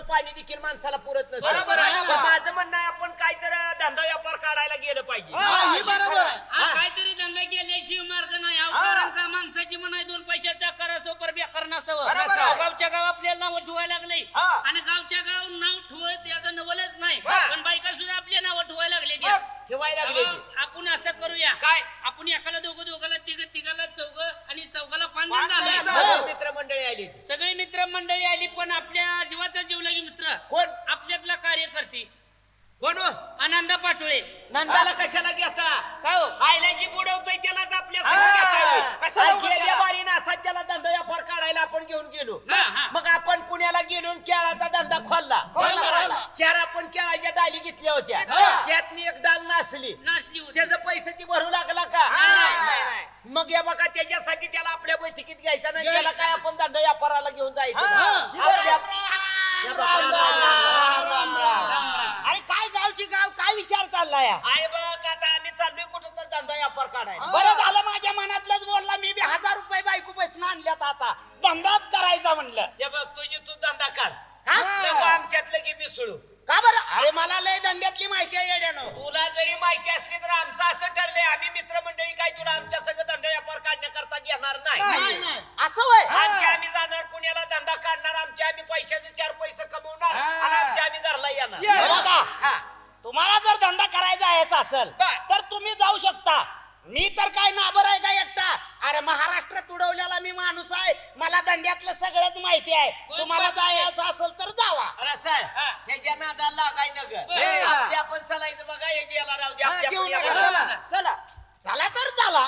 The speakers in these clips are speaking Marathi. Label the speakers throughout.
Speaker 1: पाणी देखील माणसाला पुरत नसतं.
Speaker 2: बरोबर आहे.
Speaker 1: पण माझं म्हणणं आहे आपण काहीतरी धंदा व्यापार काढायला गेलं पाहिजे.
Speaker 3: बरोबर आहे.
Speaker 2: काहीतरी धंदा केल्याशिवाय मार्ग नाही. कारण का माणसाची म्हणाय 2 पैशाचा करासोपर बेकार नसावं.
Speaker 3: बरोबर आहे.
Speaker 2: गावच्या गाव आपल्याला नाव ठेवायला लागले आणि गावच्या गाव नाव ठेवत याचं नवलच नाही. पण बायका सुद्धा आपल्या नाव ठेवायला लागले.
Speaker 1: ठेवायला लागले की.
Speaker 2: आपण असं करूया
Speaker 1: काय
Speaker 2: आपण एकाला दोघाला तिघाला चौघ आणि चौघाला 5
Speaker 3: पाच
Speaker 2: जण
Speaker 3: जण
Speaker 2: झाले.
Speaker 1: सगळे मित्रमंडळी आली.
Speaker 2: सगळी मित्रमंडळी आली पण आपल्या जीवाचा जीवलगी मित्र
Speaker 1: कोण
Speaker 2: आपल्यातला कार्यकर्ते
Speaker 1: कोण हो?
Speaker 2: आनंदा पाटोळे.
Speaker 1: नंदाला कशाला घेता?
Speaker 2: का हो
Speaker 1: आयला जी बुडवतोय त्यालाच आपल्या संग घेताय.
Speaker 3: कशाला
Speaker 1: आणि गेल्या
Speaker 3: उगाच?
Speaker 1: वारीनं असा त्याला धंदा व्यापार काढायला आपण घेऊन गेलो.
Speaker 2: हा, हा.
Speaker 1: मग आपण पुण्याला गेलो आणि केळाचा धंदा खोलला.
Speaker 3: खोलला.
Speaker 1: 4 आपण केळाच्या डाली घेतल्या होत्या.
Speaker 3: हा.
Speaker 1: त्यातनी एक डाल नासली.
Speaker 2: नाचली होती.
Speaker 1: त्याचं पैसे ती भरू लागला का?
Speaker 3: नाही.
Speaker 1: मग या बघा त्याच्यासाठी त्याला आपल्या बैठकीत घ्यायचा नाही.
Speaker 2: घ्यायचा
Speaker 1: त्याला काय आपण धंदा व्यापाराला घेऊन जायचं.
Speaker 3: हा.
Speaker 1: आपल्या-
Speaker 3: राम राम.
Speaker 2: राम.
Speaker 3: अरे काय गावची गाव काय विचार चाललाय
Speaker 1: आहे बघ आता आम्ही चाललोय कुठं तर धंदा व्यापार काढायला.
Speaker 3: बरं झालं माझ्या मनातलंच बोलला मी बी 1000 रुपये बायको पैसे आणल्यात आता धंदाच करायचा म्हणलं
Speaker 1: हे बघ तुझी तू धंदा काढ.
Speaker 3: हा?
Speaker 1: नको आमच्यातलं की मिसळू.
Speaker 3: का बरं अरे मला लय धंद्यातली माहिती आहे येड्यानं
Speaker 1: तुला जरी माहिती असली तर आमचं असं ठरलंय आम्ही मित्रमंडळी काय तुला आमच्या सगळं धंदा व्यापार काढण्याकरता घेणार नाही.
Speaker 3: असं वय
Speaker 1: आमच्या आम्ही जाणार पुण्याला धंदा काढणार आमच्या आम्ही पैशाचे 4 पैसे कमवणार आणि आमच्या आम्ही घरला येणार.
Speaker 3: हे बघा,
Speaker 1: हा.
Speaker 3: तुम्हाला जर धंदा करायचा यायचा असेल
Speaker 1: बर.
Speaker 3: तर तुम्ही जाऊ शकता. मी तर काय नाबर आहे का एकटा अरे महाराष्ट्रात उडवलेला मी माणूस आहे मला धंद्यातलं सगळंच माहिती आहे तुम्हाला जायचं असेल तर जावा
Speaker 1: रसाळ
Speaker 2: हा.
Speaker 1: ह्याच्या नादाला लागाय न ग.
Speaker 2: हे.
Speaker 1: आपल्या आपण चालायचं बघा ह्याची याला राहू दे आपल्या
Speaker 3: घेऊन
Speaker 1: आपण
Speaker 3: नका,
Speaker 1: याला.
Speaker 3: चला. चला तर चला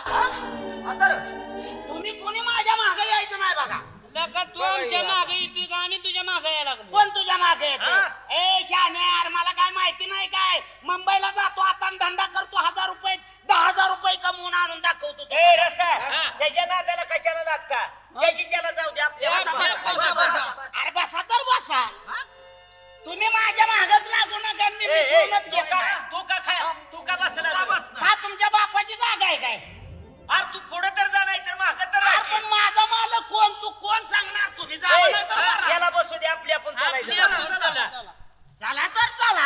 Speaker 3: तुम्ही कोणी माझ्या मागे यायचं नाही बघा
Speaker 2: लगा तू आमच्या मागे येतोय का आम्ही तुझ्या मागे यायला लागलो.
Speaker 3: कोण तुझ्या मागे येतो ए शान्यार मला काय माहिती नाही काय मुंबईला जातो आता आणि धंदा करतो 1000 रुपये 10,000 रुपये कमवून आणून दाखवतो
Speaker 1: ए
Speaker 3: तुम्हाला.
Speaker 1: रसाळ
Speaker 2: हा.
Speaker 1: त्याच्या नादाला कशाला लागता त्याची त्याला जाऊ दे आपल्या
Speaker 2: बसा, बसा.
Speaker 3: अरे बसा तर बसा तुम्ही माझ्या मागच लागू नका आणि मी
Speaker 1: ए, ए,
Speaker 3: मिटवूनच
Speaker 1: तू
Speaker 3: घेईन
Speaker 1: का
Speaker 3: ना.
Speaker 1: तू का बसला
Speaker 3: हा तुमच्या बापाची जागा आहे काय
Speaker 1: अरे तू पुढे तर जा नाही तर माग तर
Speaker 3: अरे
Speaker 1: राह.
Speaker 3: पण माझा मालक कोण तू कोण सांगणार तुम्ही जावा
Speaker 1: ए,
Speaker 3: नाही तर बरा.
Speaker 1: याला बसू दे आपली आपण
Speaker 2: आपली
Speaker 1: चालायचं.
Speaker 2: आपण चला.
Speaker 3: चला तर चला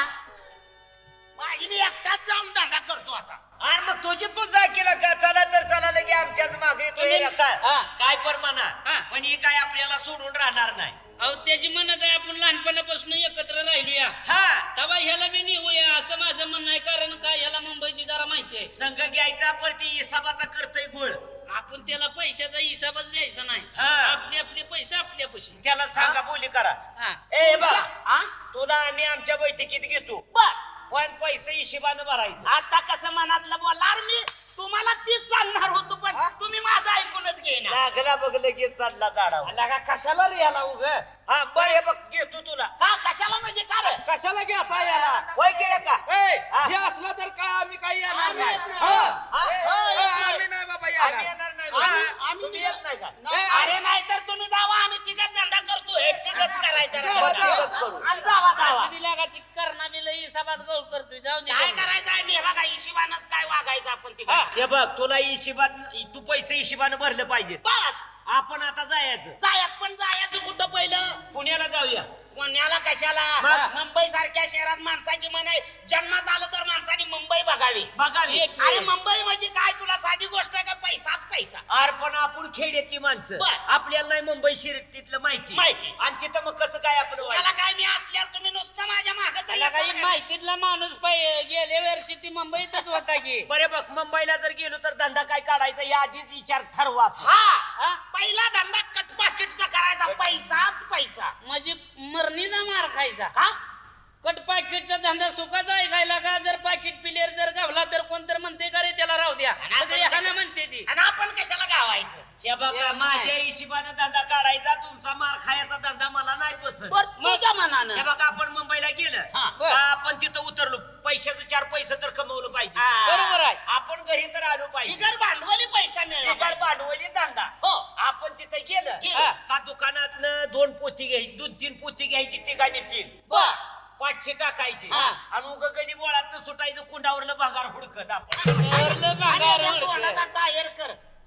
Speaker 3: माझी मी एकटाच जाऊन धंदा करतो आता
Speaker 1: अरे मग तुझी तू जा केला का चला तर चला लगे आमच्याच मागे येतोय
Speaker 2: तुम्ही-
Speaker 1: रसाळ.
Speaker 2: हा.
Speaker 1: काय परमाना
Speaker 2: हा.
Speaker 1: पण ही काय आपल्याला सोडून राहणार नाही.
Speaker 2: अहो त्याची म्हणत आहे आपण लहानपणापासून एकत्र राहिलोया
Speaker 1: हा
Speaker 2: तेव्हा ह्याला बी नेऊया असं माझं म्हणणं आहे. कारण काय ह्याला मुंबईची जरा माहिती आहे.
Speaker 1: संघ घ्यायचा परती हिसाबाचा करतोय गुळ.
Speaker 2: आपण त्याला पैशाचा हिसाबच द्यायचा नाही.
Speaker 1: हा.
Speaker 2: आपले आपले पैसे आपल्यापाशी.
Speaker 1: त्याला सांगा बोली करा.
Speaker 2: हा.
Speaker 1: ए बा
Speaker 3: हा?
Speaker 1: तुला आम्ही आमच्या बैठकीत घेतो
Speaker 3: बर
Speaker 1: पण पैसे हिशोबानं भरायचं.
Speaker 3: आता कसं मनातलं बोलणार मी तुम्हाला तीच सांगणार होतो पण तुम्ही माझं ऐकूनच घेईना
Speaker 1: लागला बघ लगेच चढला झाडावर.
Speaker 3: लगा कशाला रे याला उग
Speaker 1: हा बरं हे बघ घेतो तुला.
Speaker 3: का कशाला म्हणजे का रे
Speaker 4: कशाला घेता याला
Speaker 1: होय गेलं का हा.
Speaker 4: हे असलं तर काय आम्ही काही येणार
Speaker 3: आम्ही
Speaker 4: नाही
Speaker 3: येत नाही.
Speaker 4: हा.
Speaker 1: हा.
Speaker 4: आम्ही नाही बाबा
Speaker 1: आम्ही
Speaker 4: येणार
Speaker 1: येणार नाही
Speaker 3: आम्ही-
Speaker 1: बा.
Speaker 3: आम्ही
Speaker 1: तुम्ही येत नाही का
Speaker 3: अरे नाही तर तुम्ही जावा आम्ही तिघच धंदा करतो हे तिघच करायचं रे.
Speaker 4: जावा, जावा.
Speaker 1: तिघच करू.
Speaker 3: आणि जावा जावा
Speaker 2: असं दिला का ती करणा बी लई हिसाबात गोळ करतोय. जाऊ दे
Speaker 3: काय
Speaker 2: त्यांना.
Speaker 3: करायचं आहे मी बघा हिशोबानच काय वागायचं आपण तिघ
Speaker 2: हा.
Speaker 1: हे बघ तुला हिशोबात तू पैसे हिशोबानं भरलं पाहिजे.
Speaker 3: बस
Speaker 1: आपण आता जायचं
Speaker 3: जायत पण जायचं कुठं पहिलं
Speaker 1: पुण्याला जाऊया.
Speaker 3: पुण्याला कशाला
Speaker 1: मग?
Speaker 3: मुंबई सारख्या शहरात माणसाची मन आहे जन्मात आलं तर माणसाने मुंबई बघावी
Speaker 1: बघावी.
Speaker 2: एक
Speaker 3: अरे
Speaker 2: वेळेस.
Speaker 3: मुंबई म्हणजे काय तुला साधी गोष्ट आहे का पैसाच पैसा
Speaker 1: अरे पण आपण खेड्यातली माणसं
Speaker 3: बर.
Speaker 1: आपल्याला नाही मुंबई शिरतीतलं माहिती
Speaker 3: माहिती.
Speaker 1: आणि तिथं मग कसं काय आपलं
Speaker 3: मला
Speaker 1: व्हायचं?
Speaker 3: काय मी असल्यावर तुम्ही नुसतं माझ्या मागे तरी
Speaker 2: त्याला काही
Speaker 3: येता का?
Speaker 2: माहितीतला माणूस गेल्या वर्षी ती मुंबईतच होता की.
Speaker 1: बरे बघ मुंबईला जर गेलो तर धंदा काय काढायचा या आधीच विचार ठरवा आपण.
Speaker 3: हा
Speaker 2: हा?
Speaker 3: पहिला धंदा कटपाकिटचा करायचा पैसाच पैसा
Speaker 2: म्हणजे मरणीचा मार खायचा.
Speaker 3: का
Speaker 2: कट पाकिटचा धंदा सुखाचा ऐकायला का जर पाकिट पिलेर जर गावला तर कोणतर म्हणते का रे त्याला राहू द्या.
Speaker 3: आणि आपण
Speaker 2: सगळे हाना
Speaker 3: कशा-
Speaker 2: म्हणते ती.
Speaker 3: आणि आपण कशाला गावायचं
Speaker 1: हे बघा
Speaker 2: नाही.
Speaker 1: माझ्या हिशोबानं धंदा काढायचा तुमचा मार खायचा धंदा मला नाही पसंत.
Speaker 3: बर तुझ्या मनानं
Speaker 1: हे बघा आपण मुंबईला गेलं
Speaker 3: हा.
Speaker 2: बर.
Speaker 1: का आपण तिथं उतरलो पैशाचं 4 पैसे तर कमवलं पाहिजे.
Speaker 3: हा.
Speaker 2: बरोबर आहे.
Speaker 1: आपण घरी तर आलो पाहिजे.
Speaker 3: बिगर भांडवली पैसा मिळेल
Speaker 1: बिगर भांडवली धंदा.
Speaker 3: हो
Speaker 1: आपण तिथं गेलं
Speaker 3: गेलं.
Speaker 1: का दुकानातनं 2 पोती घ्यायची 2-3 पोती घ्यायची तिघांनी 3
Speaker 3: बर
Speaker 1: 500 टाकायची
Speaker 3: हा.
Speaker 1: आणि उग गली बोळातनं सुटायचं कुंडावरलं भागार हुडकत आपण.
Speaker 2: वरलं
Speaker 3: आणि
Speaker 2: भांगार
Speaker 3: या
Speaker 2: उडकं.
Speaker 3: तोंडाचा टायर कर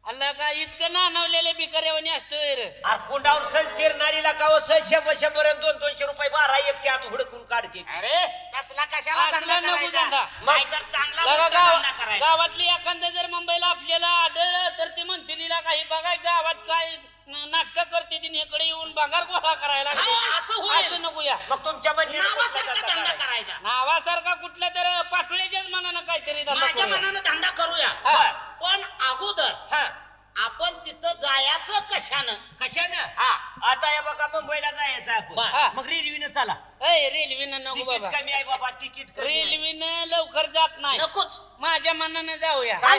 Speaker 2: अल्ला का इतकं नानवलेले बिकऱ्यावानी असतोय रे.
Speaker 1: अरे कुंडावर सहज फिरणारीला का हो, सहज 100 आणि 200 रुपये 12 एकच्या आत हुडकून काढते.
Speaker 3: अरे तसला कशाला
Speaker 2: असला
Speaker 3: धंदा
Speaker 2: नको
Speaker 3: करायचा?
Speaker 2: धंदा.
Speaker 3: नाहीतर चांगला
Speaker 2: लगा
Speaker 3: मोठा धंदा करायचा.
Speaker 2: गावातली एखादं जर मुंबईला आपल्याला आढळलं तर ते म्हणते तिला काही बघाय गावात काय नाटक करते तिने इकडे येऊन भांगार गोळा करायला लागले.
Speaker 3: हा, असं होईल.
Speaker 2: असं नको या.
Speaker 1: मग तुमच्या म्हणण्यानं कोणता
Speaker 3: नावासारखा
Speaker 1: धंदा
Speaker 3: धंदा
Speaker 1: करायचा?
Speaker 3: करायचा.
Speaker 2: नावासारखा कुठल्या तर पाठोळ्याच्याच मनानं काहीतरी धंदा
Speaker 3: माझ्या
Speaker 2: करूया.
Speaker 3: मनानं धंदा करूया
Speaker 2: हा.
Speaker 3: पण अगोदर
Speaker 1: हा.
Speaker 3: आपण तिथं जायचं कशानं?
Speaker 1: कशानं?
Speaker 3: हा.
Speaker 1: आता या बघा मुंबईला जायचं
Speaker 2: हा.
Speaker 1: आपण मग रेल्वेनं चला.
Speaker 2: रेल्वेनं नको
Speaker 1: तिकीट
Speaker 2: बाबा.
Speaker 1: कमी आहे बाबा, तिकीट कमी आहे.
Speaker 2: रेल्वेनं लवकर जात नाही.
Speaker 3: नकोच.
Speaker 2: माझ्या मनानं जाऊया.